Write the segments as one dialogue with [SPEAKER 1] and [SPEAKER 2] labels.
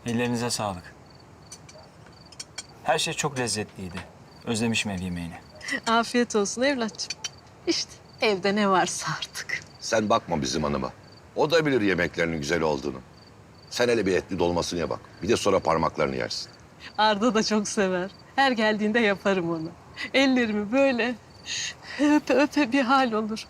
[SPEAKER 1] Ellerinize sağlık. Her şey çok lezzetliydi. Özlemişim ev yemeğini.
[SPEAKER 2] Afiyet olsun evlatçım. İşte evde ne varsa artık.
[SPEAKER 3] Sen bakma bizim hanıma. O da bilir yemeklerinin güzel olduğunu. Sen hele bir etli dolmasını ye bak. Bir de sonra parmaklarını yersin.
[SPEAKER 2] Arda da çok sever. Her geldiğinde yaparım onu. Ellerimi böyle öpe öpe bir hal olur.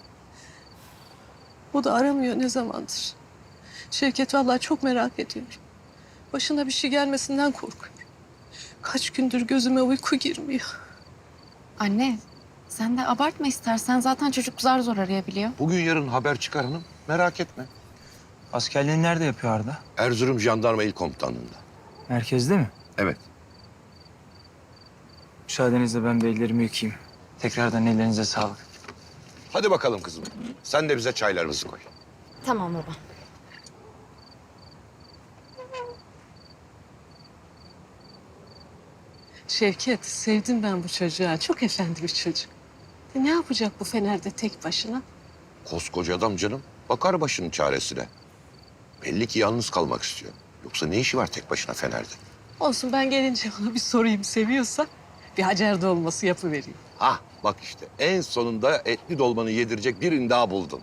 [SPEAKER 2] O da aramıyor ne zamandır. Şevket vallahi çok merak ediyor. Başına bir şey gelmesinden korkuyor. Kaç gündür gözüme uyku girmiyor.
[SPEAKER 4] Anne, sen de abartma istersen. Zaten çocuk zar zor arayabiliyor.
[SPEAKER 3] Bugün yarın haber çıkar hanım. Merak etme.
[SPEAKER 1] Askerliğini nerede yapıyor Arda?
[SPEAKER 3] Erzurum Jandarma İl Komutanlığı'nda.
[SPEAKER 1] Merkezde mi?
[SPEAKER 3] Evet.
[SPEAKER 1] Müsaadenizle ben bir ellerimi yıkayayım. Tekrardan ellerinize sağlık.
[SPEAKER 3] Hadi bakalım kızım. Sen de bize çaylarımızı koy.
[SPEAKER 4] Tamam baba.
[SPEAKER 2] Şevket, sevdim ben bu çocuğa. Çok efendi bir çocuk. Ne yapacak bu Fener'de tek başına?
[SPEAKER 3] Koskoca adam canım. Bakar başının çaresine. Belli ki yalnız kalmak istiyor. Yoksa ne işi var tek başına Fener'de?
[SPEAKER 2] Olsun ben gelince ona bir sorayım seviyorsa bir Hacer dolması yapıvereyim.
[SPEAKER 3] Hah bak işte en sonunda etli dolmanı yedirecek birini daha buldun.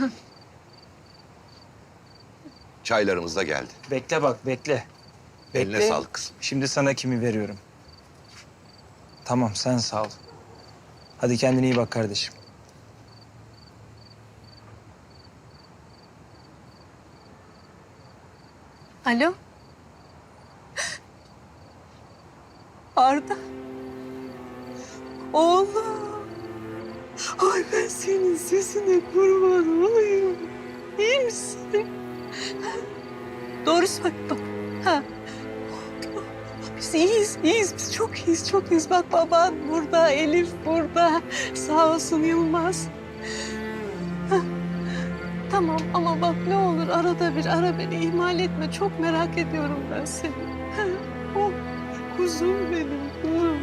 [SPEAKER 3] Çaylarımız da geldi.
[SPEAKER 1] Bekle bak, bekle.
[SPEAKER 3] Eline sağlık kızım.
[SPEAKER 1] Şimdi sana kimi veriyorum. Tamam, sen sağ ol. Hadi kendine iyi bak kardeşim.
[SPEAKER 2] Alo? Arda. Oğlum. Ay ben senin sesine kurban olayım. İyi misin? Doğru söyle bak. Ha. Biz iyiyiz, iyiyiz. Biz çok iyiyiz, çok iyiyiz. Bak baban burada, Elif burada. Sağ olsun Yılmaz. Ha. Tamam ama bak ne olur arada bir ara beni ihmal etme. Çok merak ediyorum ben seni. Ha. Oh, kuzum benim, kuzum.